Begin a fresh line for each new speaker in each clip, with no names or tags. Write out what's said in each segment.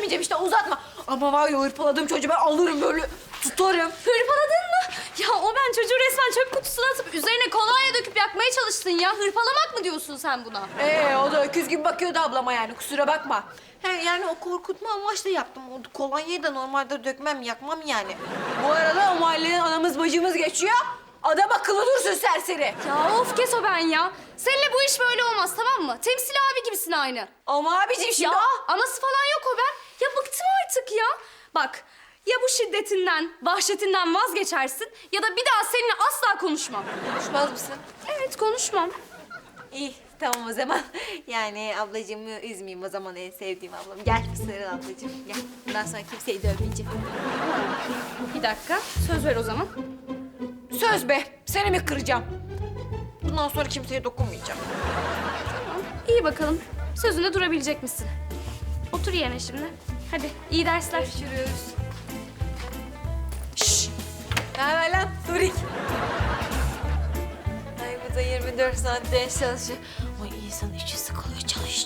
demeyeceğim işte uzatma. Ama var ya hırpaladığım çocuğu ben alırım böyle tutarım.
Hırpaladın mı? Ya o ben çocuğu resmen çöp kutusuna atıp üzerine kolonya döküp yakmaya çalıştın ya. Hırpalamak mı diyorsun sen buna?
O da öküz gibi bakıyordu ablama yani kusura bakma. He, yani o korkutma amaçla yaptım. O kolonyayı da normalde dökmem, yakmam yani. Bu arada o mahalleden anamız bacımız geçiyor. Adam akıllı dursun serseri.
Ya of kes o ben ya. Seninle bu iş böyle olmaz tamam mı? Temsil abi gibisin aynı.
Ama abicim şimdi...
Ya anası falan yok o ben. Ya bıktım artık ya. Bak ya bu şiddetinden, vahşetinden vazgeçersin ya da bir daha seninle asla konuşmam.
Konuşmaz mısın?
Evet konuşmam.
İyi tamam o zaman. Yani ablacığımı üzmeyeyim o zaman en sevdiğim ablam. Gel sarıl ablacığım gel. Bundan sonra kimseyi dövmeyeceğim.
Bir dakika söz ver o zaman.
Söz be seni mi kıracağım? Bundan sonra kimseye dokunmayacağım.
Tamam iyi bakalım. Sözünde durabilecek misin? Otur yerine şimdi. Hadi iyi dersler.
Görüşürüz. Şşş. Ne haber lan Turik? Ay bu da 24 saat ders çalışıyor. Ay insan içi sıkılıyor çalış.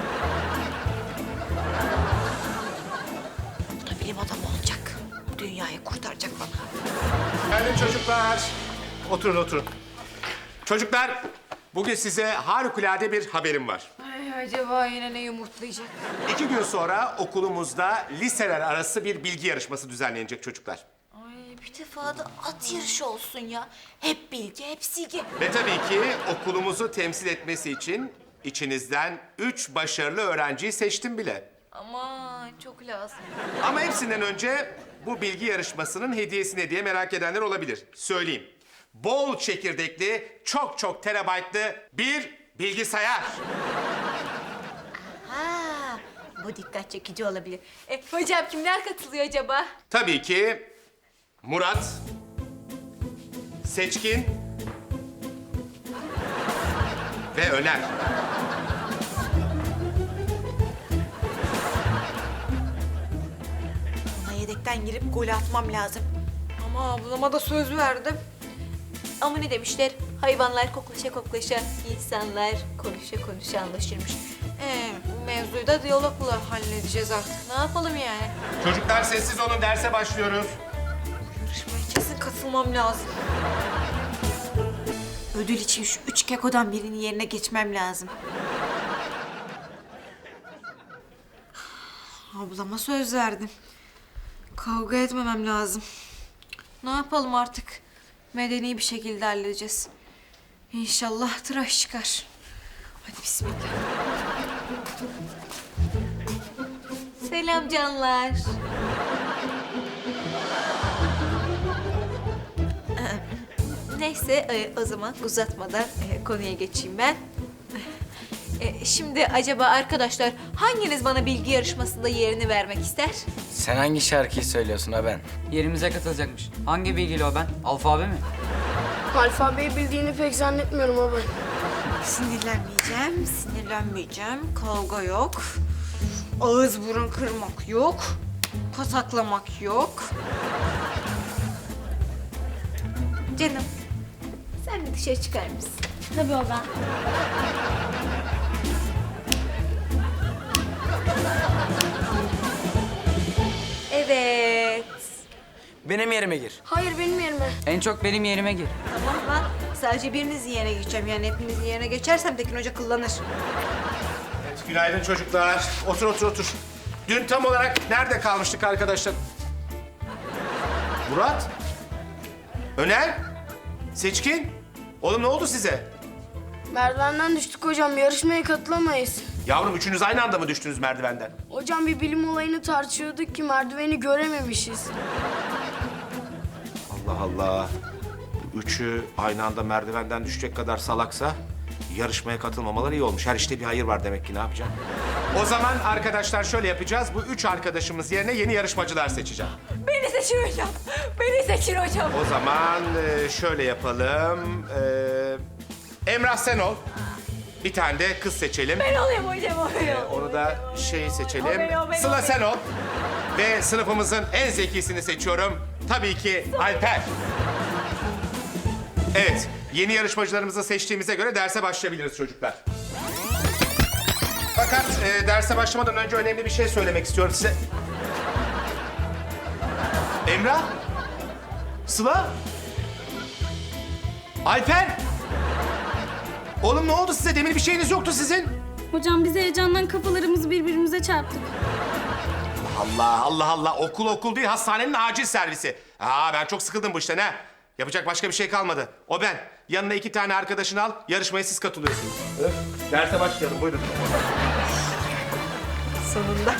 Bu da bilim adamı olacak. Dünyayı kurtaracak bana.
Geldim çocuklar. Oturun. Çocuklar, bugün size harikulade bir haberim var.
Ay acaba yine ne yumurtlayacak?
2 gün sonra okulumuzda liseler arası bir bilgi yarışması düzenlenecek çocuklar.
Ay bir defa da at yarışı olsun ya. Hep bilgi, hep silgi.
Ve tabii ki okulumuzu temsil etmesi için içinizden 3 başarılı öğrenciyi seçtim bile.
Aman çok lazım.
Ama hepsinden önce bu bilgi yarışmasının hediyesi ne diye merak edenler olabilir. Söyleyeyim. Bol çekirdekli, çok terabaytlı bir bilgisayar.
Ha, bu dikkat çekici olabilir. Hocam kimler katılıyor acaba?
Tabii ki Murat, Seçkin ve Öner.
Ona yedekten girip gol atmam lazım. Ama ablama da söz verdim. Ama ne demişler? Hayvanlar koklaşa, insanlar konuşa anlaşırmış. Bu mevzuyu da diyalogla halledeceğiz artık. Ne yapalım yani?
Çocuklar sessiz olun, derse başlıyoruz.
Yarışmaya kesin katılmam lazım. Ödül için şu 3 kekodan birinin yerine geçmem lazım. Ablama söz verdim. Kavga etmemem lazım. Ne yapalım artık? Medeni bir şekilde halledeceğiz. İnşallah tıraş çıkar. Hadi bismillah. Selam canlar. Neyse o zaman uzatmadan konuya geçeyim ben. Şimdi acaba arkadaşlar hanginiz bana bilgi yarışmasında yerini vermek ister?
Sen hangi şarkıyı söylüyorsun ha ben?
Yerimize katılacakmış. Hangi bilgili o ben? Alfabe mi?
Alfabeyi bildiğini pek zannetmiyorum ama.
Sinirlenmeyeceğim. Kavga yok. Ağız burun kırmak yok. Pataklamak yok. Canım, sen de dışarı çıkar mısın?
Tabii o ben.
Evet.
Benim yerime gir.
Hayır benim yerime.
En çok benim yerime gir.
Tamam lan. Sadece birinizin yerine geçeceğim. Yani hepinizin yerine geçersem Tekin Hoca kullanır.
Evet, günaydın çocuklar. Otur. Dün tam olarak nerede kalmıştık arkadaşlar? Murat? Öner? Seçkin? Oğlum ne oldu size?
Merdivenden düştük hocam. Yarışmaya katılamayız.
Yavrum üçünüz aynı anda mı düştünüz merdivenden?
Hocam bir bilim olayını tartışıyorduk ki merdiveni görememişiz.
Allah Allah. Bu üçü aynı anda merdivenden düşecek kadar salaksa yarışmaya katılmamaları iyi olmuş. Her işte bir hayır var demek ki, ne yapacağım? O zaman arkadaşlar şöyle yapacağız. Bu 3 arkadaşımız yerine yeni yarışmacılar seçeceğim.
Beni seçin hocam. Beni seçin hocam.
O zaman şöyle yapalım. Emrah sen ol. Bir tane de kız seçelim.
Ben olayım hocam.
Onu da şey seçelim.
O ben.
Sıla sen ol. Ve sınıfımızın en zekisini seçiyorum. Tabii ki Alper. Evet, yeni yarışmacılarımızı seçtiğimize göre derse başlayabiliriz çocuklar. Fakat derse başlamadan önce önemli bir şey söylemek istiyorum size. Emrah? Sıla? Alper? Oğlum ne oldu size? Demin bir şeyiniz yoktu sizin.
Hocam biz heyecandan kafalarımızı birbirimize çarptık.
Allah Allah Allah. Okul değil, hastanenin acil servisi. Ben çok sıkıldım bu işten ha. Yapacak başka bir şey kalmadı. O ben. Yanına 2 tane arkadaşını al, yarışmaya siz katılıyorsunuz. Derse başlayalım, buyurun.
Sonunda.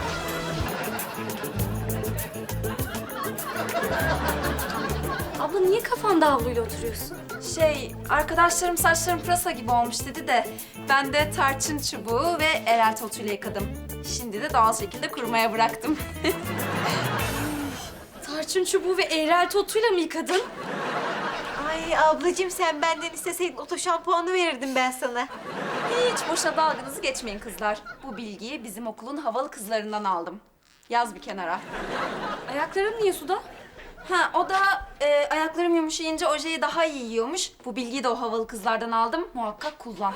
Abla niye kafanda havluyla oturuyorsun?
Arkadaşlarım saçlarım pırasa gibi olmuş dedi de ben de tarçın çubuğu ve erel otuyla yıkadım. Şimdi de doğal şekilde kurumaya bıraktım.
Tarçın çubuğu ve eğrel totuyla mı yıkadın?
Ay ablacığım sen benden isteseydin oto şampuanı verirdim ben sana.
Hiç boşa dalganızı geçmeyin kızlar. Bu bilgiyi bizim okulun havalı kızlarından aldım. Yaz bir kenara.
Ayakların niye suda?
O da ayaklarım yumuşayınca ojeyi daha iyi yiyormuş. Bu bilgiyi de o havalı kızlardan aldım. Muhakkak kullan.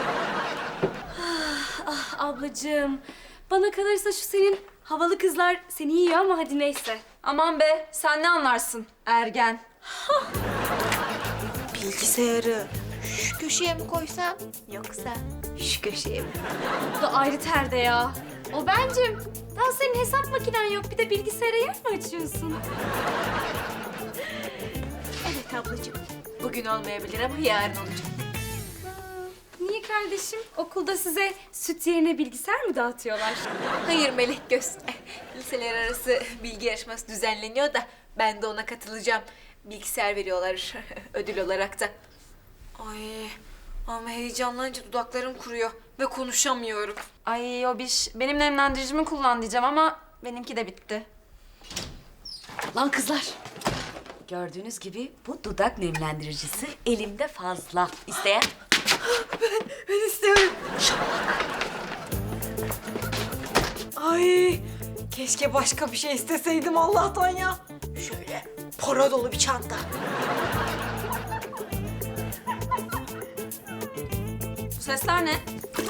Ablacığım, bana kalırsa şu senin havalı kızlar seni yiyor ama hadi neyse.
Aman be, sen ne anlarsın ergen?
Bilgisayarı şu köşeye mi koysam yoksa şu köşeye mi?
Bu da ayrı terde ya. O bencim, daha senin hesap makinen yok. Bir de bilgisayara yer mi açıyorsun?
Evet ablacığım. Bugün olmayabilir ama yarın olacak.
Niye kardeşim? Okulda size süt yerine bilgisayar mı dağıtıyorlar?
Hayır Melek Göz. Liseler arası bilgi yarışması düzenleniyor da ben de ona katılacağım. Bilgisayar veriyorlar ödül olarak da. Ay ama heyecanlanınca dudaklarım kuruyor ve konuşamıyorum.
Ay o benim nemlendiricimi kullan diyeceğim ama benimki de bitti.
Lan kızlar. Gördüğünüz gibi bu dudak nemlendiricisi elimde fazla. İsteyen?
Ben istiyorum. Ay keşke başka bir şey isteseydim Allah'tan ya. Şöyle para dolu bir çanta.
Bu sesler ne?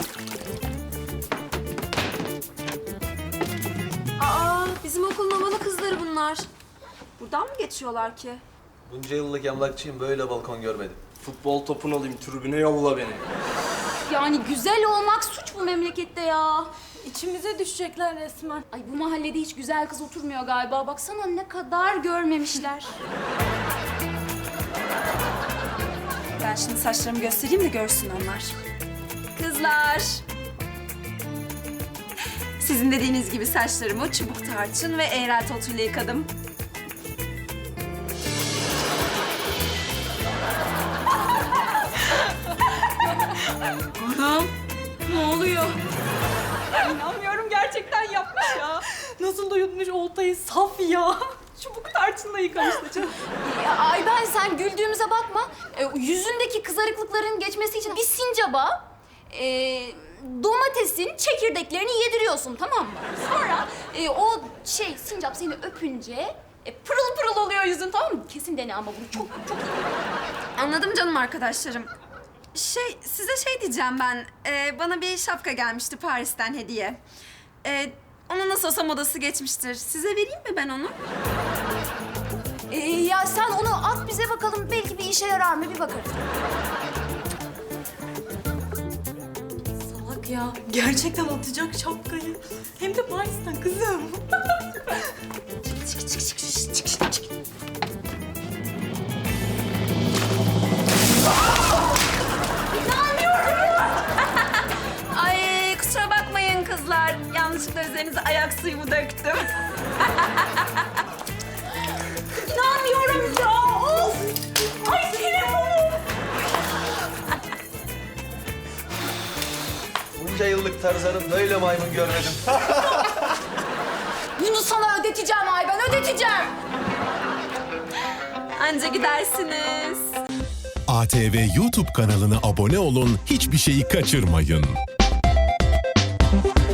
Aa, bizim okulun havalı kızları bunlar. Buradan mı geçiyorlar ki?
Bunca yıllık emlakçıyım, böyle balkon görmedim. Futbol topunu alayım, tribüne yolla beni.
Yani güzel olmak suç bu memlekette ya. İçimize düşecekler resmen. Ay bu mahallede hiç güzel kız oturmuyor galiba. Baksana ne kadar görmemişler.
Ben şimdi saçlarımı göstereyim de görsün onlar. Kızlar. Sizin dediğiniz gibi saçlarımı çubuk tarçın ve eğrel otuyla yıkadım.
Anam ne oluyor? İnanmıyorum gerçekten yapmış ya. Nasıl da yutmuş oltayı saf ya. Çubuk tarçınla yıkamış saçını. Ay ben sen güldüğümüze bakma. Yüzündeki kızarıklıkların geçmesi için bir sincaba domatesin çekirdeklerini yediriyorsun tamam mı? Sonra o sincap seni öpünce pırıl pırıl oluyor yüzün tamam mı? Kesin dene ama bunu çok iyi.
Anladım canım arkadaşlarım. Size diyeceğim ben. Bana bir şapka gelmişti Paris'ten hediye. Onun nasıl olsa modası geçmiştir. Size vereyim mi ben onu?
Ya sen onu at bize bakalım. Belki bir işe yarar mı bir bakarız. Salak ya. Gerçekten atacak şapkayı. Hem de Paris'ten kızım.
Ay kusura bakmayın kızlar. Yanlışlıkla üzerinize ayak suyumu döktüm.
İnanmıyorum ya. Of. Ay telefonum.
Bunca yıllık Tarzan'ım, böyle maymun görmedim.
Bunu sana ödeteceğim Ayben, ödeteceğim.
Anca gidersiniz.
ATV YouTube kanalına abone olun, hiçbir şeyi kaçırmayın.